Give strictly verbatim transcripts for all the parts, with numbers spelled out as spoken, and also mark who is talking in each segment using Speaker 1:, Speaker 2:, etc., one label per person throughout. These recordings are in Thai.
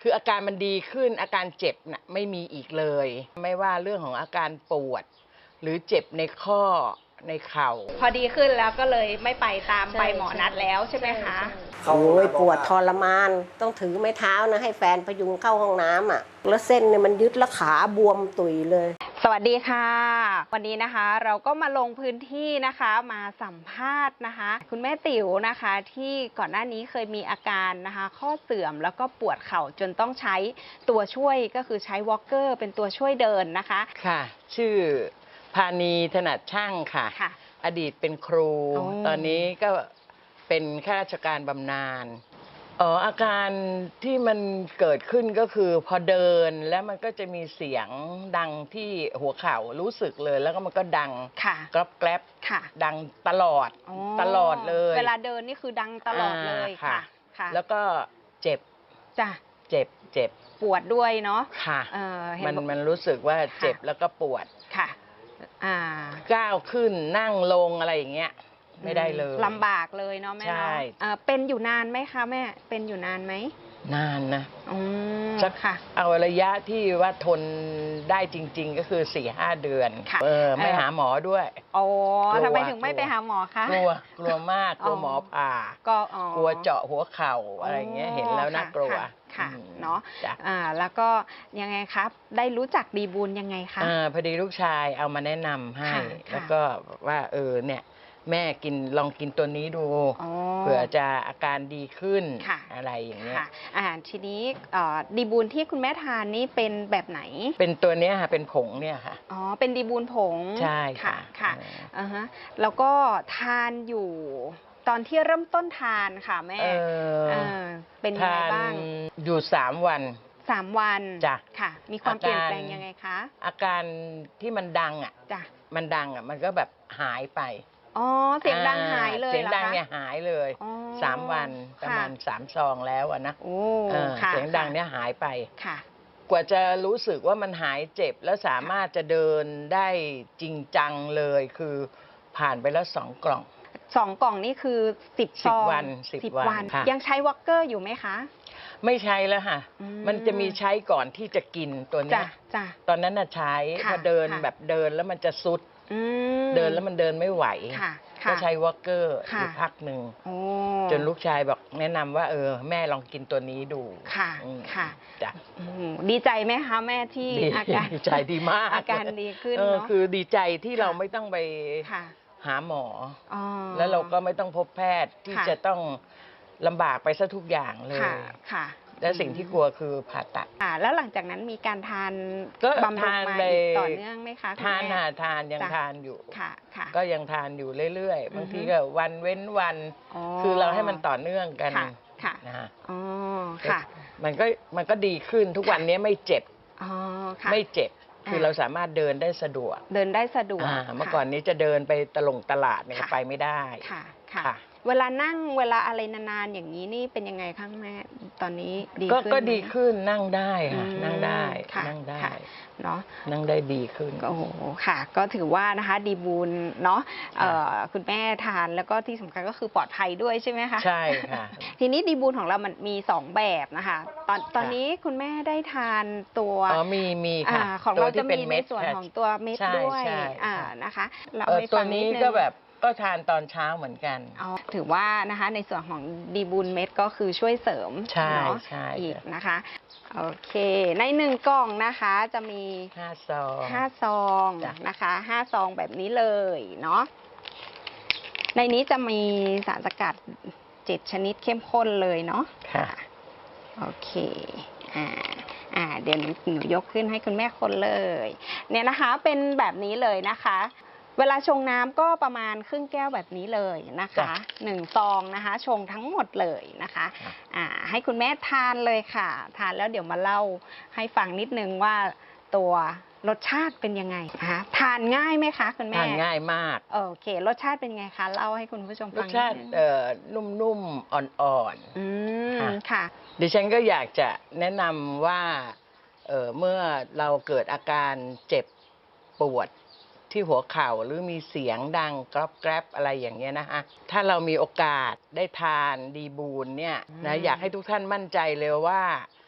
Speaker 1: คืออาการมันดีขึ้นอาการเจ็บน่ะไม่มีอีกเลยไม่ว่าเรื่องของอาการปวดหรือเจ็บในข้อในเข่า
Speaker 2: พอดีขึ้นแล้วก็เลยไม่ไปตามใบหมอนัดแล้วใช่ไหมคะ
Speaker 3: โอ้ยปวดทรมานต้องถือไม้เท้านะให้แฟนพยุงเข้าห้องน้ำอ่ะแล้วเส้นเนี่ยมันยึดแล้วขาบวมตุยเลย
Speaker 2: สวัสดีค่ะวันนี้นะคะเราก็มาลงพื้นที่นะคะมาสัมภาษณ์นะคะคุณแม่ติ๋วนะคะที่ก่อนหน้านี้เคยมีอาการนะคะข้อเสื่อมแล้วก็ปวดเข่าจนต้องใช้ตัวช่วยก็คือใช้วอล์กเกอร์เป็นตัวช่วยเดินนะคะ
Speaker 1: ค่ะชื่อพานีถนัดช่างค่ะ
Speaker 2: ค่ะ
Speaker 1: อดีตเป็นครูตอนนี้ก็เป็นข้าราชการบำนาญอ๋ออาการที่มันเกิดขึ้นก็คือพอเดินแล้วมันก็จะมีเสียงดังที่หัวเข่ารู้สึกเลยแล้วก็มันก็ดังกรอบแกรบดังตลอดตลอดเลย
Speaker 2: เวลาเดินนี่คือดังตลอดเลยค่ะ
Speaker 1: แล้วก็เจ็บ
Speaker 2: จ้ะ
Speaker 1: เจ็บเจ็บ
Speaker 2: ปวดด้วยเนาะ
Speaker 1: ค่ะมันมันรู้สึกว่าเจ็บแล้วก็ปวด
Speaker 2: ค่ะอ่า
Speaker 1: ก้าวขึ้นนั่งลงอะไรอย่างเงี้ยไม่ได้เลย
Speaker 2: ลำบากเลยเนาะแม่เนาะเป็นอยู่นานไหมคะแม่เป็นอยู่นานไหม
Speaker 1: นานนะ
Speaker 2: อืม
Speaker 1: สัก
Speaker 2: ค่ะ
Speaker 1: เอาระยะที่ว่าทนได้จริงๆก็คือสี่ห้าเดือนเออไม่หาหมอด้วย
Speaker 2: อ๋อทำไมถึงไม่ไปหาหมอคะ
Speaker 1: กลัวกลัวมากกลัวหมอผ่าก็กลัวเจาะหัวเข่าอะไรเงี้ยเห็นแล้วน่ากลัว
Speaker 2: ค่ะเนาะอ่าแล้วก็ยังไงครับได้รู้จักดีบูลยังไงคะ
Speaker 1: อ่าพอดีลูกชายเอามาแนะนำให้แล้วก็ว่าเออเนี่ยแม่กินลองกินตัวนี้ดูเผื่อจะอาการดีขึ้นอะไรอย่างเงี้ย
Speaker 2: อ่าทีนี้ดีบูลที่คุณแม่ทานนี่เป็นแบบไหน
Speaker 1: เป็นตัวเนี้ยค่ะเป็นผงเนี่ยค่ะ
Speaker 2: อ๋อเป็นดีบูลผง
Speaker 1: ใช่ค่ะ
Speaker 2: ค่ะอ่าฮะแล้วก็ทานอยู่ตอนที่เริ่มต้นทานค่ะแม่เป็นยังไงบ้าง
Speaker 1: อยู่สามวัน
Speaker 2: สามวัน
Speaker 1: จ้ะ
Speaker 2: ค่ะมีความเปลี่ยนแปลงยังไงคะ
Speaker 1: อาการที่มันดังอ่ะจ้ะมันดังอ่ะมันก็แบบหายไป
Speaker 2: อ๋อเสียงดังหายเลย
Speaker 1: เสียงดังเนี่ยหายเลยสามวันประมาณสามซองแล้วอะนะเสียงดังเนี่ยหายไป
Speaker 2: ค่ะ
Speaker 1: กว่าจะรู้สึกว่ามันหายเจ็บแล้วสามารถจะเดินได้จริงจังเลยคือผ่านไปแล้วสองกล่อง
Speaker 2: สองกล่องนี่คือสิบซอง
Speaker 1: วันสิบวัน
Speaker 2: ยังใช้วอล์กเกอร์อยู่ไหมคะ
Speaker 1: ไม่ใช้แล้วค่ะมันจะมีใช้ก่อนที่จะกินตัวนี้ตอนนั้นน่ะใช้พอเดินแบบเดินแล้วมันจะซุดเดินแล้วมันเดินไม่ไหวก็ใช้วอล์กเกอร์อยู่พักหนึ่งจนลูกชายบอกแนะนำว่าเออแม่ลองกินตัวนี้ดู
Speaker 2: ค่ะค่ะ
Speaker 1: จ้ะ
Speaker 2: ดีใจไหมคะแม่ที่อาการ
Speaker 1: ดีใจดีมาก
Speaker 2: อาการดีขึ้น
Speaker 1: เนาะคือดีใจที่เราไม่ต้องไปหาหมอแล้วเราก็ไม่ต้องพบแพทย์ที่จะต้องลำบากไปซะทุกอย่างเลย
Speaker 2: ค่ะ
Speaker 1: และสิ่งที่กลัวคือผ่าตัด
Speaker 2: อ่าแล้วหลังจากนั้นมีการทานบำรุงมาต่อเนื่องไหมคะ
Speaker 1: ทานค่ะทานยังทานอยู่
Speaker 2: ค่ะค่ะ
Speaker 1: ก็ยังทานอยู่เรื่อยๆบางทีก็วันเว้นวันคือเราให้มันต่อเนื่องกัน
Speaker 2: ค่ะ
Speaker 1: นะฮะ
Speaker 2: อ๋อค่ะ
Speaker 1: มันก็มันก็ดีขึ้นทุกวันนี้ไม่เจ็บ
Speaker 2: อ๋อค่ะ
Speaker 1: ไม่เจ็บคือเราสามารถเดินได้สะดวก
Speaker 2: เดินได้สะดวก
Speaker 1: เมื่อก่อนนี้จะเดินไปตลงตลาดเนี่ยไปไม่ได้
Speaker 2: ค่ะค่ะเวลานั่งเวลาอะไรนานๆอย่างนี้นี่เป็นยังไงคะแม่ตอนนี้ดีขึ้น
Speaker 1: ก็ดีขึ้นนั่งได้ค่ะนั่งได้นั่งได้
Speaker 2: เนาะ
Speaker 1: นั่งได้ดีขึ้น
Speaker 2: โอ้โหค่ะก็ถือว่านะคะดีบูลเนาะคุณแม่ทานแล้วก็ที่สำคัญก็คือปลอดภัยด้วยใช่ไหมคะ
Speaker 1: ใช่ค่ะ
Speaker 2: ทีนี้ดีบูลของเรามันมีสองแบบนะคะตอนตอนนี้คุณแม่ได้ทานตัว
Speaker 1: อ๋อมีมีค่ะ
Speaker 2: ของเราจะมีในส่วนของตัวเม็ดด้วยอ่านะคะ
Speaker 1: เราไม่ฟังนิดนึงตัวนี้ก็แบบก็ทานตอนเช้าเหมือนกัน
Speaker 2: ถือว่านะคะในส่วนของดีบูลเม็ดก็คือช่วยเสริม
Speaker 1: เนาะ
Speaker 2: อีกนะคะโอเคในหนึ่งกล่องนะคะจะมี
Speaker 1: ห้าซอง
Speaker 2: ห้าซองนะคะห้าซองแบบนี้เลยเนาะในนี้จะมีสารสกัดเจ็ดชนิดเข้มข้นเลยเนาะ
Speaker 1: ค่ะ
Speaker 2: โอเคอ่าอ่าเดี๋ยวหนูยกขึ้นให้คุณแม่คนเลยเนี่ยนะคะเป็นแบบนี้เลยนะคะเวลาชงน้ำก็ประมาณครึ่งแก้วแบบนี้เลยนะคะหนึ่งซองนะคะชงทั้งหมดเลยนะคะอ่าให้คุณแม่ทานเลยค่ะทานแล้วเดี๋ยวมาเล่าให้ฟังนิดนึงว่าตัวรสชาติเป็นยังไงนะคะทานง่ายไหมคะคุณแม่
Speaker 1: ทานง่ายมาก
Speaker 2: โอเครสชาติเป็นไงคะเล่าให้คุณผู้ชมฟัง
Speaker 1: รสชาติเอ่อนุ่มๆอ่อน
Speaker 2: ๆอืมค่ะ
Speaker 1: ดิฉันก็อยากจะแนะนำว่าเอ่อเมื่อเราเกิดอาการเจ็บปวดที่หัวเข่าหรือมีเสียงดังกรอบแกรบอะไรอย่างเงี้ยนะคะถ้าเรามีโอกาสได้ทานดีบูลเนี่ยนะอยากให้ทุกท่านมั่นใจเลยว่า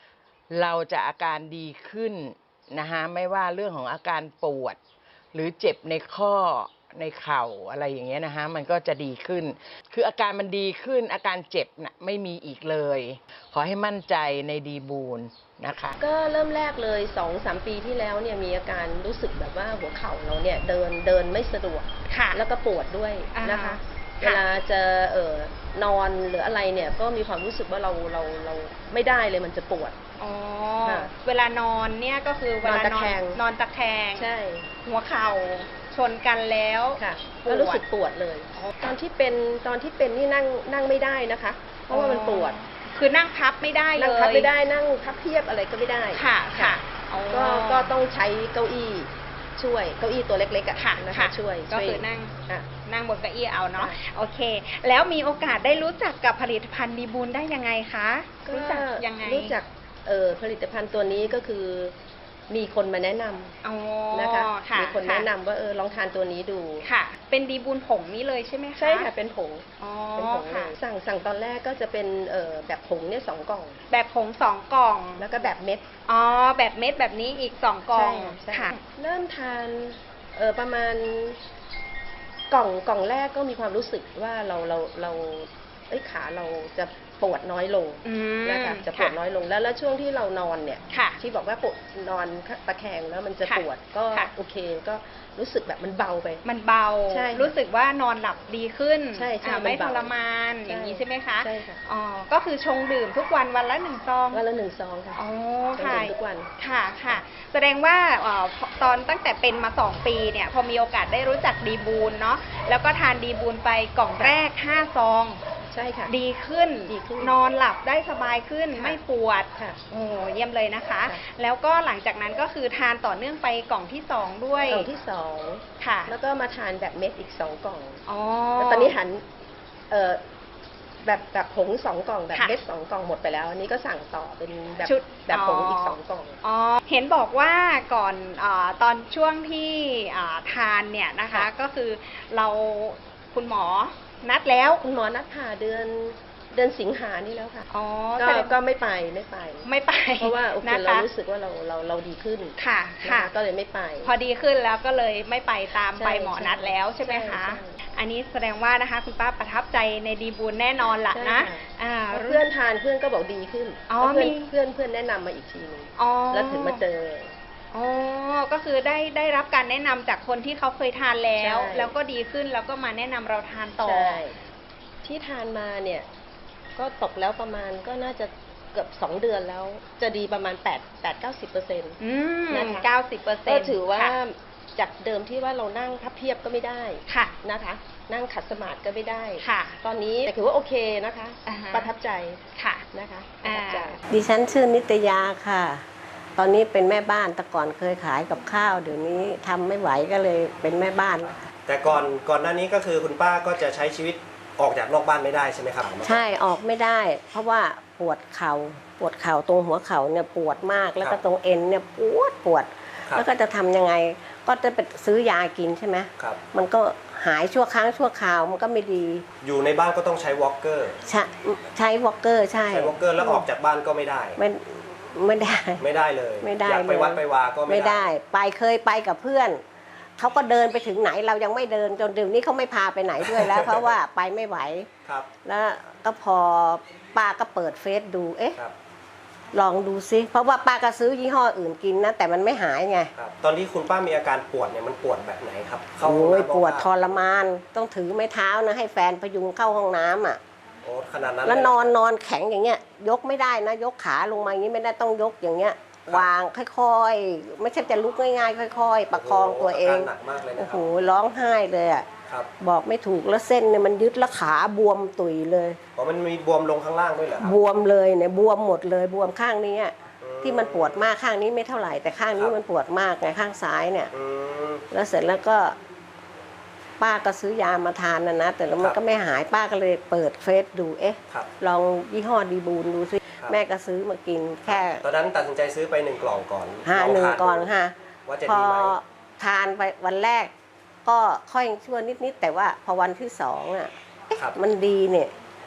Speaker 1: เราจะอาการดีขึ้นนะคะไม่ว่าเรื่องของอาการปวด หรือเจ็บในข้อในเข่าอะไรอย่างเงี้ยนะคะมันก็จะดีขึ้น คืออาการมันดีขึ้นอาการเจ็บน่ะไม่มีอีกเลย ขอให้มั่นใจในดีบูลนะคะ
Speaker 4: ก็เริ่มแรกเลย สองสาม ปีที่แล้วเนี่ยมีอาการรู้สึกแบบว่าหัวเข่าเราเนี่ยเดินเดินไม่สะดวก
Speaker 2: ค่ะ
Speaker 4: แล้วก็ปวดด้วยนะคะ
Speaker 2: อ่า
Speaker 4: เวลาจะเอ่อนอนหรืออะไรเนี่ยก็มีความรู้สึกว่าเราเราเราไม่ได้เลยมันจะปวด
Speaker 2: อ๋อ
Speaker 4: ค่ะ
Speaker 2: เวลานอนเนี่ยก็คือเวลาน
Speaker 4: อนตะแคง
Speaker 2: นอนตะแคง
Speaker 4: ใช่
Speaker 2: หัวเข่าชนกันแล้ว
Speaker 4: ค่ะ
Speaker 2: ปวด
Speaker 4: ก็รู้สึกปวดเลย ตอนที่เป็นตอนที่เป็นนี่นั่งนั่งไม่ได้นะคะ เพราะว่ามันปวด
Speaker 2: คือนั่งพับไม่ได้เลย
Speaker 4: นั่งพับไม่ได้นั่งพับเพียบอะไรก็ไม่ได้
Speaker 2: ค่ะค่ะอ๋อ
Speaker 4: ก็ก็ต้องใช้เก้าอี้ช่วยเก้าอี้ตัวเล็กๆอะ
Speaker 2: ค่ะ
Speaker 4: นะคะ
Speaker 2: ค่ะ
Speaker 4: ช่วย
Speaker 2: ก็
Speaker 4: ช่วย
Speaker 2: คือนั่ง
Speaker 4: อ่ะ
Speaker 2: นั่งบนเก้าอี้เอาเนาะ
Speaker 4: ค่ะ
Speaker 2: โอเค แล้วมีโอกาสได้รู้จักกับผลิตภัณฑ์ดีบูลได้ยังไงคะรู้จักยังไง
Speaker 4: รู้จักเอ่อผลิตภัณฑ์ตัวนี้ก็คือมีคนมาแนะนำ
Speaker 2: อ๋อ
Speaker 4: นะคะ
Speaker 2: ค่ะ
Speaker 4: มีคนแนะนำว่าเออลองทานตัวนี้ดู
Speaker 2: ค่ะ เป็นดีบูลผงนี้เลยใช่ไหมคะ
Speaker 4: ใช่ค่ะเป็นผง
Speaker 2: อ๋อ
Speaker 4: เป็นผงเล
Speaker 2: ค่ะ
Speaker 4: ยสั่งสั่งตอนแรกก็จะเป็นเอ่อแบบผงเนี่ยสองกล่อง
Speaker 2: แบบผงสองกล่อง
Speaker 4: แล้วก็แบบเม็ด
Speaker 2: อ๋อแบบเม็ดแบบนี้อีกสองกล่อง
Speaker 4: ใช่
Speaker 2: ค่ะ
Speaker 4: เริ่มทานเออประมาณกล่องกล่องแรกก็มีความรู้สึกว่าเราเราเราเอ้ยขาเราจะปวดน้อยลง
Speaker 2: อืม
Speaker 4: นะคะจะปวดน้อยลงแล้วแล้วช่วงที่เรานอนเนี่ย
Speaker 2: ค่ะ
Speaker 4: ที่บอกว่าปวดนอนตะแคงแล้วมันจะ
Speaker 2: ค่ะ
Speaker 4: ปวดก็
Speaker 2: ค่ะ
Speaker 4: โอเคก็รู้สึกแบบมันเบาไป
Speaker 2: มันเบา
Speaker 4: ใช่
Speaker 2: รู้สึกว่านอนหลับดีขึ้น
Speaker 4: ใช่ใช่
Speaker 2: อ่า
Speaker 4: มัน
Speaker 2: ไม่
Speaker 4: เบา
Speaker 2: ทรมานอย่างนี้ใช่ไหมคะ
Speaker 4: ใช่ค่ะ
Speaker 2: อ๋อก็คือชงดื่มทุกวันวันละหนึ่งซอง
Speaker 4: วันละหนึ่งซองค่ะ
Speaker 2: อ๋อ
Speaker 4: ชง
Speaker 2: ค่ะ
Speaker 4: ดื่มทุกวัน
Speaker 2: ค่ะค่ะ แสดงว่าเอ่อพอตอนตั้งแต่เป็นมาสองปีเนี่ยพอมีโอกาสได้รู้จักดีบูลเนาะแล้วก็ทานดีบูลไปกล่องแรกห้าซอง
Speaker 4: ใช่ค่ะ
Speaker 2: ดีขึ้น
Speaker 4: ดีขึ้น
Speaker 2: นอนหลับได้สบายขึ้น
Speaker 4: ค่ะ
Speaker 2: ไม่ปวด
Speaker 4: ค่ะ
Speaker 2: โอ้เยี่ยมเลยนะคะ
Speaker 4: ค่ะ
Speaker 2: แล้วก็หลังจากนั้นก็คือทานต่อเนื่องไปกล่องที่สองด้วย
Speaker 4: กล่องที่สอง
Speaker 2: ค่ะ
Speaker 4: แล้วก็มาทานแบบเม็ดอีกสองกล่อง
Speaker 2: อ๋อ
Speaker 4: แล้วตอนนี้หันเอ่อแบบแบบผงสองกล่องแบบ
Speaker 2: ค่ะ
Speaker 4: เม็ดสองกล่องหมดไปแล้ว อันนี้ก็สั่งต่อเป็นแบบ
Speaker 2: ชุด
Speaker 4: แบบผง
Speaker 2: อ๋ออี
Speaker 4: อีกสองกล่อง
Speaker 2: อ๋อ เห็นบอกว่าก่อนอาตอนช่วงที่อ่าทานเนี่ยนะคะ
Speaker 4: ค่ะ
Speaker 2: ก็คือเราคุณหมอนัดแล้ว
Speaker 4: คุณหมอนัดผ่าเดือนเดือนสิงหานี่แล้วค่ะ
Speaker 2: อ๋อ
Speaker 4: ก็
Speaker 2: แสดง
Speaker 4: ก็ไม่ไปไม่ไป
Speaker 2: ไม่ไป
Speaker 4: เพราะว่าโอเค
Speaker 2: นะ
Speaker 4: เรา
Speaker 2: คะ
Speaker 4: รู้สึกว่าเราเราเราดีขึ้น
Speaker 2: ค่ะ
Speaker 4: น
Speaker 2: ค่ะ
Speaker 4: ก็เลยไม่ไป
Speaker 2: พอดีขึ้นแล้วก็เลยไม่ไปตาม
Speaker 4: ใช่
Speaker 2: ไปหมอนัดแล้วใช่ไหม
Speaker 4: ใช่
Speaker 2: คะ
Speaker 4: ใช่
Speaker 2: อันนี้แสดงว่านะคะคุณป้าประทับใจในดีบูลแน่นอนละ
Speaker 4: ใช่
Speaker 2: นะ
Speaker 4: ค่ะ
Speaker 2: อ่า
Speaker 4: เพื่อนทานเพื่อนก็บอกดีขึ้น
Speaker 2: อ๋อ
Speaker 4: แล้วเพื่อน
Speaker 2: มี
Speaker 4: เพื่อนเพื่อนแนะนำมาอีกทีหนึง
Speaker 2: อ๋อ
Speaker 4: แล้วถึงมาเจอ
Speaker 2: อ๋อ ก็คือได้ได้รับการแนะนำจากคนที่เขาเคยทานแล้ว
Speaker 4: ใช่
Speaker 2: แล้วก็ดีขึ้นแล้วก็มาแนะนำเราทานต่อ
Speaker 4: ใช่ที่ทานมาเนี่ยก็ตกแล้วประมาณก็น่าจะเกือบสองเดือนแล้ว จะดีประมาณแปด แปด เก้าสิบเปอร์เซ็นต์
Speaker 2: อืม
Speaker 4: นะคะ
Speaker 2: เก้าสิบเปอร์เซ็น
Speaker 4: ก็
Speaker 2: ต์
Speaker 4: ถือว่าจากเดิมที่ว่าเรานั่งพับเพียบก็ไม่ได้
Speaker 2: ค่ะ
Speaker 4: นะคะ นั่งขัดสมาธิก็ไม่ได้
Speaker 2: ค่ะ
Speaker 4: ตอนนี้แต่ถือว่าโอเคนะคะ
Speaker 2: อ่าฮะ
Speaker 4: ประทับใจ
Speaker 2: ค่ะ
Speaker 4: นะคะประทับใจ
Speaker 2: อ่า
Speaker 3: ดิฉันชื่อนิตยาค่ะ ตอนนี้เป็นแม่บ้านแต่ก่อนเคยขายกับข้าวเดี๋ยวนี้ทำไม่ไหวก็เลยเป็นแม่บ้าน
Speaker 5: แต่ก่อนก่อนหน้านี้ก็คือคุณป้าก็จะใช้ชีวิตออกจากนอกบ้านไม่ได้ใช่ไหมครับ
Speaker 3: ใช่ออกไม่ได้ เพราะว่าปวดเขา่าปวดเข่าตรงหัวเข่าเนี่ยปวดมากแล้วก็ตรงเอ็นเนี่ยปวดปวด
Speaker 5: ครับ
Speaker 3: แล้วก็จะทำยังไง ก็จะไปซื้อยากินใช่ไหม
Speaker 5: ครับ
Speaker 3: มันก็หายชั่วครั้งชั่วคราวมันก็ไม่ดี
Speaker 5: อยู่ในบ้านก็ต้องใช้วอล์กเกอร์
Speaker 3: ใช้ใช้วอลเกอร์ใช่
Speaker 5: ใช้วอล์กเกอร์แล้วออกจากบ้านก็ไม่ได้
Speaker 3: ไม่ไม่ได้
Speaker 5: ไม่ได้เลย
Speaker 3: ไม่ได้
Speaker 5: อยากไป
Speaker 3: เลย
Speaker 5: วัดไปวาก็
Speaker 3: ไม่
Speaker 5: ไม่
Speaker 3: ได้ ไปเคยไปกับเพื่อนเขาก็เดินไปถึงไหนเรายังไม่เดินจนเดี๋ยวนี้เขาไม่พาไปไหนด้วยแล้ว เพราะว่าไปไม่ไหว
Speaker 5: ครับ
Speaker 3: แล้วก็พอป้าก็เปิดเฟซดูเอ๊ะ
Speaker 5: ครับ
Speaker 3: ลองดูซิเพราะว่าป้าก็ซื้อยี่ห้ออื่นกินนะแต่มันไม่หายไง
Speaker 5: ครับ ตอนที่คุณป้ามีอาการปวดเนี่ยมันปวดแบบไหนครับเข้าห้อง
Speaker 3: โอ้ย
Speaker 5: น้ำ
Speaker 3: ปวด
Speaker 5: บ้าง
Speaker 3: ทรมานต้องถือไม้เท้านะให้แฟนพยุงเข้าห้องน้ำอ่ะ
Speaker 5: โอ้ขนาดนั้น
Speaker 3: แล้ว
Speaker 5: เย
Speaker 3: นอนนอนแข็งอย่างเงี้ย ยกไม่ได้นะ ยกขาลงมาอย่างนี้ไม่ได้ต้องยกอย่างเงี้ย วางค่อยๆ ไม่ใช่จะลุกง่ายๆค่อยๆ ประคองตัวเอง
Speaker 5: โโหาการหนักมากเลยนะ
Speaker 3: โอ้
Speaker 5: ค
Speaker 3: โห
Speaker 5: รับ
Speaker 3: ร้องไห้เลยอ่ะ
Speaker 5: ครับ
Speaker 3: บอกไม่ถูกแล้วเส้นเนี่ยมันยึดแล้วขาบวมตุยเลย
Speaker 5: อ๋อมันมีบวมลงข้างล่างด้วยเหรอครับ
Speaker 3: บวมเลยเนี่ยบวมหมดเลยบวมข้างนี้อะ
Speaker 5: อืม
Speaker 3: ที่มันปวดมากข้างนี้ไม่เท่าไหร่แต่ข้างนี้
Speaker 5: ครับ
Speaker 3: มันปวดมากไงข้างซ้ายเนี่ย
Speaker 5: อืม
Speaker 3: แล้วเสร็จแล้วก็ป้าก็ซื้อยามาทานนะนะแต่แล้วมัน
Speaker 5: ครับ
Speaker 3: ก็ไม่หายป้าก็เลยเปิดเฟซดูเอ๊ะ
Speaker 5: ครับ
Speaker 3: ลองยี่ห้อดีบูนดูสิ
Speaker 5: ครับ
Speaker 3: แม่ก็ซื้อมากินแค่
Speaker 5: ตอนนั้นตัดสินใจซื้อไปหนึ่งกล่องก่อน
Speaker 3: ห้า
Speaker 5: ล
Speaker 3: หนึ่ง
Speaker 5: ทา
Speaker 3: ก่อน
Speaker 5: ดู
Speaker 3: ค่ะ
Speaker 5: ว่าจะ
Speaker 3: พอ
Speaker 5: ดีไหม
Speaker 3: ทานไปวันแรก ก็ค่อยชั่วนิดๆแต่ว่าพอวันที่สองอ่ะเอ๊ะ
Speaker 5: ครับ
Speaker 3: มันดีเนี่ย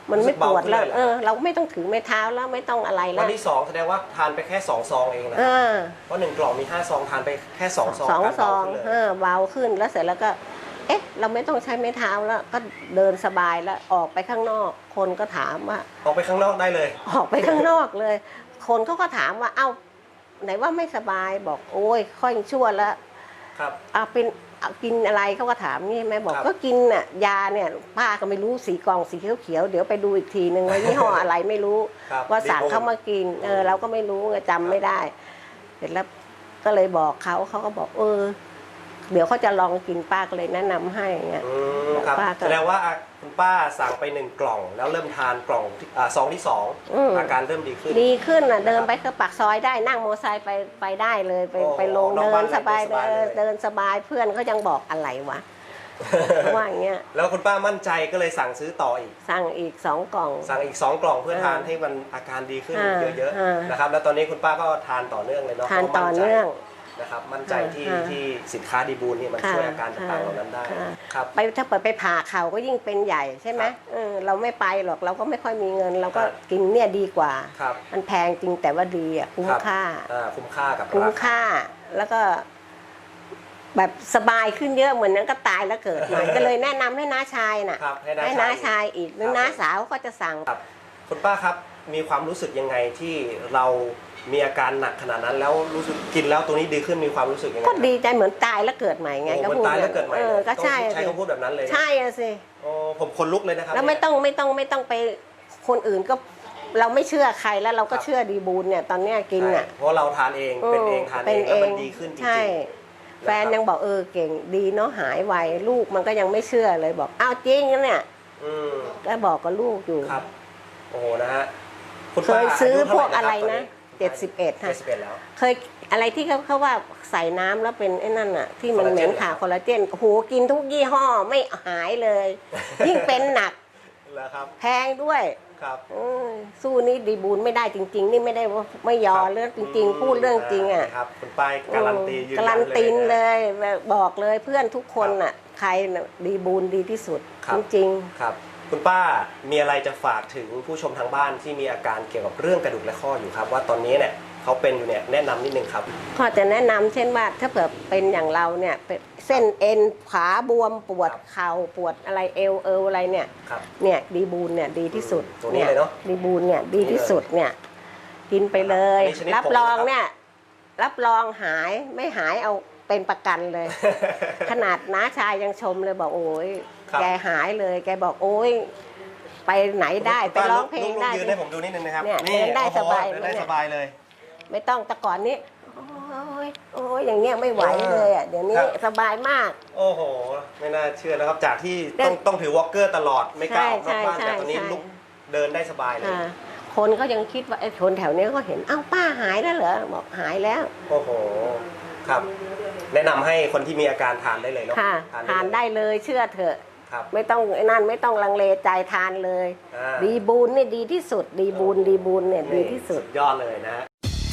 Speaker 3: มันไม่ปวดแล้ว
Speaker 5: รู้สึกเบาขึ้นเลยเหรอ
Speaker 3: เออ เราไม่ต้องถือไม้เท้าแล้วไม่ต้องอะไรแล้
Speaker 5: วั
Speaker 3: วน
Speaker 5: ที่สองแสดงว่าทานไปแค่สองซองเองนะ
Speaker 3: เออ
Speaker 5: เพราะหนึ่งกล่องมีห้าซองทานไปแค่สองซอง
Speaker 3: สอง
Speaker 5: การ
Speaker 3: ซ
Speaker 5: เบา
Speaker 3: อง
Speaker 5: ขึ้นเลย
Speaker 3: เออเบาขึ้นแล้วเสร็จแล้วก็ เอ๊ะ เราไม่ต้องใช้ไม้เท้าแล้วก็เดินสบายแล้วออกไปข้างนอก คนก็ถามว่า
Speaker 5: ออกไปข้างนอกได้เลย
Speaker 3: ออกไปข้างนอกเลย คนเขาก็ถามว่าเอ้าไหนว่าไม่สบายบอกโอ้ยค่อยชั่วแล้ว
Speaker 5: ครับ
Speaker 3: เอาเป็นเอากินอะไรเขาก็ถามนี่แม่บอก
Speaker 5: ครับ
Speaker 3: ก็กินน่ะยาเนี่ยป้าก็ไม่รู้สีกล่องสีเขียวๆเดี๋ยวไปดูอีกทีนึงว่ายี่ห้ออะไรไม่รู้
Speaker 5: ครับ
Speaker 3: ว่าสั่ง
Speaker 5: ดีโ
Speaker 3: เขามากินเออเราก็ไม่รู้ไงจำไม่ได้ เสร็จแล้วก็เลยบอกเขาเขาก็บอกเออ เดี๋ยวเขาจะลองกินป้าก็เลยแนะนำให้เงี้ย
Speaker 5: อืมครับ
Speaker 3: ป้าก็
Speaker 5: แสดงว่าอ่ะคุณป้าสั่งไปหนึ่งกล่อง แล้วเริ่มทานกล่องที่อ่าซองที่สอง
Speaker 3: อืม
Speaker 5: อาการเริ่มดีขึ้น
Speaker 3: ดีขึ้นน่ะเดินไปก็ปากซอยได้นั่งมอเตอร์ไซค์ไปไปได้เลยไป
Speaker 5: โอ้
Speaker 3: ไปลง
Speaker 5: นอก
Speaker 3: เดิ
Speaker 5: บ้าน
Speaker 3: นสบาย
Speaker 5: เดินสบาย
Speaker 3: เดิน
Speaker 5: เลย
Speaker 3: เดินสบายเพื่อนเขายังบอกอะไรวะ เขาว่าอย่างเงี้ย
Speaker 5: แล้วคุณป้ามั่นใจก็เลยสั่งซื้อต่ออีก
Speaker 3: สั่งอีกสองกล่อง
Speaker 5: สั่งอีกสองกล่องเพื่อ
Speaker 3: เออ
Speaker 5: ทานให้มันอาการดีขึ้น
Speaker 3: อ่า
Speaker 5: เยอะ
Speaker 3: อ่า
Speaker 5: ๆนะครับแล้วตอนนี้คุณป้าก็ทานต่อเนื่องเลยเนาะ
Speaker 3: ทาน
Speaker 5: พระ
Speaker 3: ต่อ
Speaker 5: มั่ใจ
Speaker 3: เนื่อง
Speaker 5: นะครับมั่นใจที่
Speaker 3: อ่า
Speaker 5: ที่สินค้าดีบูลนี่มัน
Speaker 3: ค่ะ
Speaker 5: ช่วยอาการต่างๆเหล่านั้นได้
Speaker 3: ค่ะ
Speaker 5: ครับ
Speaker 3: ไปถ้าเปิดไปผ่าเข่าก็ยิ่งเป็นใหญ่ใช่ไหม
Speaker 5: ครับ
Speaker 3: เออเราไม่ไปหรอกเราก็ไม่ค่อยมีเงิน เราก็
Speaker 5: ครับ
Speaker 3: กินเนี่ยดีกว่า
Speaker 5: ครับ
Speaker 3: มันแพงจริงแต่ว่าดีอ่ะคุ้ม
Speaker 5: รับ
Speaker 3: ค่า
Speaker 5: อ่าคุ้มค่ากับ
Speaker 3: คุ้ม
Speaker 5: ราา
Speaker 3: ค่าแล้วก็ แบบสบายขึ้นเยอะเหมือนนั้นก็ตายแล้วเกิดใหม่ ก็เลยแนะนำให้น้าชายน่ะ
Speaker 5: ครับให้น้า
Speaker 3: ให้
Speaker 5: ชา
Speaker 3: น้าย ชายอีกหรือ
Speaker 5: ครับ
Speaker 3: น้าสาวก็จะสั่ง
Speaker 5: ครับคุณป้าครับมีความรู้สึกยังไงที่เรามีอาการหนักขนาดนั้น แล้วรู้สึกกินแล้วตัวนี้ดีขึ้นมีความรู้สึกยังไง
Speaker 3: ก็ดีใจเหมือนตายแล้วเกิดใหม่ไง
Speaker 5: โอ้
Speaker 3: ก็
Speaker 5: เหมือน
Speaker 3: พูด
Speaker 5: ตายแล้วเกิดใหม่
Speaker 3: เออ
Speaker 5: เลย
Speaker 3: ก็ใช่
Speaker 5: ต้องใช้
Speaker 3: สิ
Speaker 5: คำพูดแบบนั้นเลยนะ
Speaker 3: ใช่อะสิ
Speaker 5: โอ้ผมคนลุกเลยนะครับ
Speaker 3: แล้วไม่
Speaker 5: เนี่ย
Speaker 3: ต้องไม่ต้องไม่ต้องไปคนอื่นก็เราไม่เชื่อใครแล้วเราก็
Speaker 5: ครับ
Speaker 3: เชื่อดีบูลเนี่ยตอนเนี้ยกินอ่ะ
Speaker 5: ใช่เพราะเราทานเองเป็นเองทานเองแล้วมันดีขึ้นจริงๆ
Speaker 3: ใช่แฟนยังบอกเออเก่งดีเนาะหายไวลูกมันก็ยังไม่เชื่อเลยบอกอ้าวจริงนะเนี่ย
Speaker 5: อืม
Speaker 3: ก็บอกกับลูกอยู่
Speaker 5: ครับโอ้โหนะฮะคุณ
Speaker 3: เค
Speaker 5: ป้าย
Speaker 3: ซื้อ
Speaker 5: ยุ
Speaker 3: พวก
Speaker 5: เท่า
Speaker 3: อะไร
Speaker 5: ห
Speaker 3: นะ
Speaker 5: คบ
Speaker 3: เจ็ดสิบเอ็ด
Speaker 5: ตอนนี้เจ็ดสิบเอ็ดแล้ว
Speaker 3: เคยอะไรที่เขาเขาว่าใส่น้ำแล้วเป็นไอ้นั่นอ่ะ ที่มัน
Speaker 5: คอลลา
Speaker 3: เห
Speaker 5: เจ
Speaker 3: ม็
Speaker 5: น
Speaker 3: นขาคอลลาเจนโอ้โหกินทุกยี่ห้อไม่หายเลย ยิ่งเป็นหนัก
Speaker 5: แล้วครับ
Speaker 3: แพงด้วย
Speaker 5: ครับ
Speaker 3: เออสู้นี่ดีบูลไม่ได้จริง ๆ นี่ไม่ได้ว่าไม่ยอ
Speaker 5: ครับ
Speaker 3: เรื่องจริง ๆ พูดเรื่องจริงอ่ะ
Speaker 5: ครับคุณป้ายการันตียืนยัน
Speaker 3: การันตี
Speaker 5: เลย
Speaker 3: เล
Speaker 5: นะ
Speaker 3: ยบอกเลยเพื่อนทุกคนน่ะใครน่ะดีบูลดีที่สุด
Speaker 5: ครับ
Speaker 3: จริง
Speaker 5: ครับคุณป้ามีอะไรจะฝากถึงผู้ชมทางบ้านที่มีอาการเกี่ยวกับเรื่องกระดูกและข้ออยู่ครับ ว่าตอนนี้เนี่ยเขาเป็นอยู่เนี่ยแนะนำนิดนึงครับ
Speaker 3: ๆก็จะแนะนำเช่นว่าถ้าเผื่อเป็นอย่างเราเนี่ยเป็นเส้นเอ็นขาบวมปวด
Speaker 5: ครับ
Speaker 3: เข่าปวดอะไรเอวเอวอะไรเนี่ย
Speaker 5: ครับ
Speaker 3: เนี่ยดีบูลเนี่ยดีที่สุด
Speaker 5: ตัวนี้เลยเนอะ
Speaker 3: ดีบูลเนี่ยดีที่สุดเนี่ยกินไปเลย
Speaker 5: อันนี้ชนิด
Speaker 3: รับ
Speaker 5: ผง
Speaker 3: รอง
Speaker 5: นะครับ
Speaker 3: เนี่ยรับรองหายไม่หายเอาเป็นประกันเลย ขนาดน้าชายยังชมเลยบอกโอ้ย
Speaker 5: ครับ
Speaker 3: แกหายเลย แกบอกโอ้ยไปไหนได้ไปร้องเพลงได้
Speaker 5: ยืนให้ผมดูนิดนึงนะครับ
Speaker 3: เนี่ยเดินได้
Speaker 5: โอ้โห
Speaker 3: สบาย
Speaker 5: เดินได้
Speaker 3: เนี่ย
Speaker 5: สบายเลย
Speaker 3: ไม่ต้องแต่ก่อนนี้โอ้ยโอ้ยอย่างเงี้ยไม่ไหวเลยอ่ะเดี๋ยวนี้
Speaker 5: ครับ
Speaker 3: สบายมาก
Speaker 5: โอ้โห ไม่น่าเชื่อนะครับ จากที่
Speaker 3: เดิน
Speaker 5: ต้องต้องถือวอล์กเกอร์ตลอดไม่กล้าออกนอกบ้าน
Speaker 3: ใช่
Speaker 5: แต่ตอนนี้
Speaker 3: ใช่
Speaker 5: ลุกเดินได้สบายเลย
Speaker 3: อ่าคนก็ยังคิดว่าไอ้คนแถวเนี้ยก็เห็นอ้าวป้าหายแล้วเหรอบอกหายแล้ว
Speaker 5: โอ้โหครับ แนะนำให้คนที่มีอาการทานได้เลยเนาะ
Speaker 3: ค่ะทานได้เลยเชื่อเถอะ
Speaker 5: ครับ
Speaker 3: ไม่ต้องไอ้นั่นไม่ต้องลังเลใจทานเลย
Speaker 5: อ่า
Speaker 3: ดีบูนนี่ดีที่สุด ดีบูนดีบูนเนี่ยดีที่สุด
Speaker 5: ยอดเลยนะฮะ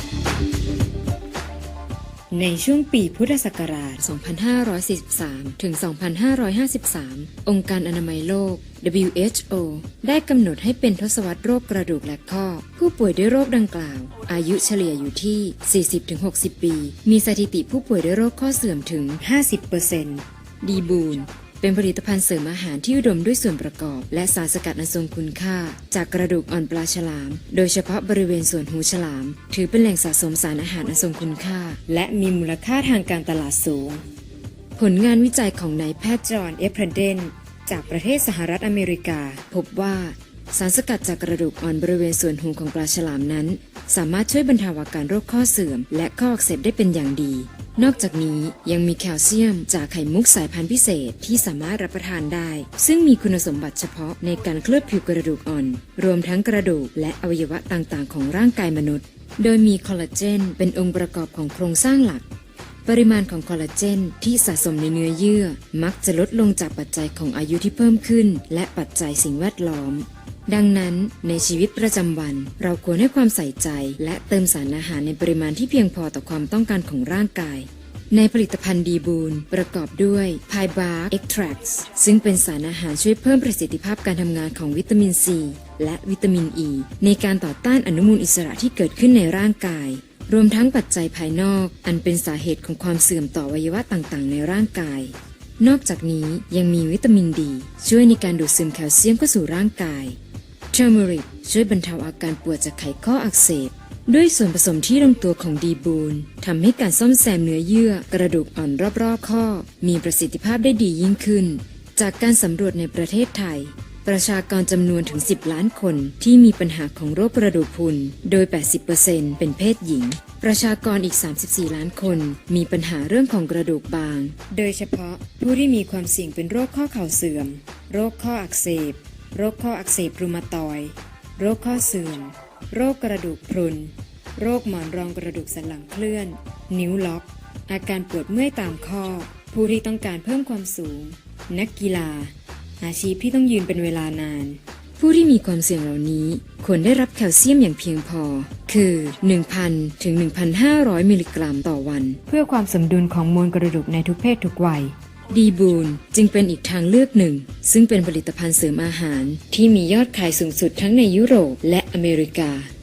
Speaker 6: ในช่วงปีพุทธศักราช สองพันห้าร้อยสี่สิบสาม ถึง สองพันห้าร้อยห้าสิบสาม องค์การอนามัยโลก ดับเบิลยู เอช โอ ได้กำหนดให้เป็นทศวรรษโรคกระดูกและข้อ ผู้ป่วยด้วยโรคดังกล่าว อายุเฉลี่ยอยู่ที่ สี่สิบถึงหกสิบ ปี มีสถิติผู้ป่วยด้วยโรคข้อเสื่อมถึง ห้าสิบเปอร์เซ็นต์ ดีบูนเป็นผลิตภัณฑ์เสริมอาหารที่อุดมด้วยส่วนประกอบและสารสกัดอันทรงคุณค่า จากกระดูกอ่อนปลาฉลาม โดยเฉพาะบริเวณส่วนหูฉลาม ถือเป็นแหล่งสะสมสารอาหารอันทรงคุณค่า และมีมูลค่าทางการตลาดสูง ผลงานวิจัยของนายแพทย์จอห์น เอฟ เพรเดนจากประเทศสหรัฐอเมริกา พบว่าสารสกัดจากกระดูกอ่อนบริเวณส่วนหูของปลาฉลามนั้น สามารถช่วยบรรเทาอาการโรคข้อเสื่อม และข้ออักเสบได้เป็นอย่างดี นอกจากนี้ยังมีแคลเซียมจากไข่มุกสายพันธุ์พิเศษที่สามารถรับประทานได้ ซึ่งมีคุณสมบัติเฉพาะในการเคลือบผิวกระดูกอ่อน รวมทั้งกระดูกและอวัยวะต่างๆของร่างกายมนุษย์ โดยมีคอลลาเจนเป็นองค์ประกอบของโครงสร้างหลัก ปริมาณของคอลลาเจนที่สะสมในเนื้อเยื่อมักจะลดลงจากปัจจัยของอายุที่เพิ่มขึ้นและปัจจัยสิ่งแวดล้อม ดังนั้นในชีวิตประจำวันเราควรให้ความใส่ใจและเติมสารอาหารในปริมาณที่เพียงพอต่อความต้องการของร่างกายในผลิตภัณฑ์ดีบูนประกอบด้วยไพบาร์เอ็กทรักซ์ซึ่งเป็นสารอาหารช่วยเพิ่มประสิทธิภาพการทำงานของวิตามินซีและวิตามินอ e ีในการต่อต้านอนุมูลอิสระที่เกิดขึ้นในร่างกายรวมทั้งปัจจัยภายนอกอันเป็นสาเหตุของความเสื่อมต่ออวัยวะต่างๆในร่างกายนอกจากนี้ยังมีวิตามินดีช่วยในการดูดซึมแคลเซียมเข้าสู่ร่างกายเทอร์เมริกช่วยบรรเทาอาการปวดจากไขข้ออักเสบด้วยส่วนผสมที่ลงตัวของดีบูนทำให้การซ่อมแซมเนื้อเยื่อกระดูกอ่อนรอบๆข้อมีประสิทธิภาพได้ดียิ่งขึ้นจากการสำรวจในประเทศไทยประชากรจำนวนถึงสิบล้านคนที่มีปัญหาของโรคกระดูกพรุนโดย แปดสิบเปอร์เซ็นต์ เป็นเพศหญิงประชากรอีก สามสิบสี่ ล้านคนมีปัญหาเรื่องของกระดูกบางโดยเฉพาะผู้ที่มีความเสี่ยงเป็นโรคข้อเข่าเสื่อมโรคข้ออักเสบโรคข้ออักเสบรูมาตอยด์โรคข้อเสื่อมโรคกระดูกพรุนโรคหมอนรองกระดูกสันหลังเคลื่อนนิ้วล็อกอาการปวดเมื่อยตามข้อผู้ที่ต้องการเพิ่มความสูงนักกีฬาอาชีพที่ต้องยืนเป็นเวลานานผู้ที่มีความเสี่ยงเหล่านี้ควรได้รับแคลเซียมอย่างเพียงพอคือ หนึ่งพัน ถึง หนึ่งพันห้าร้อย มิลลิกรัมต่อวันเพื่อความสมดุลของมวลกระดูกในทุกเพศทุกวัยดีบูนจึงเป็นอีกทางเลือกหนึ่งซึ่งเป็นผลิตภัณฑ์เสริมอาหารที่มียอดขายสูงสุดทั้งในยุโรปและอเมริกา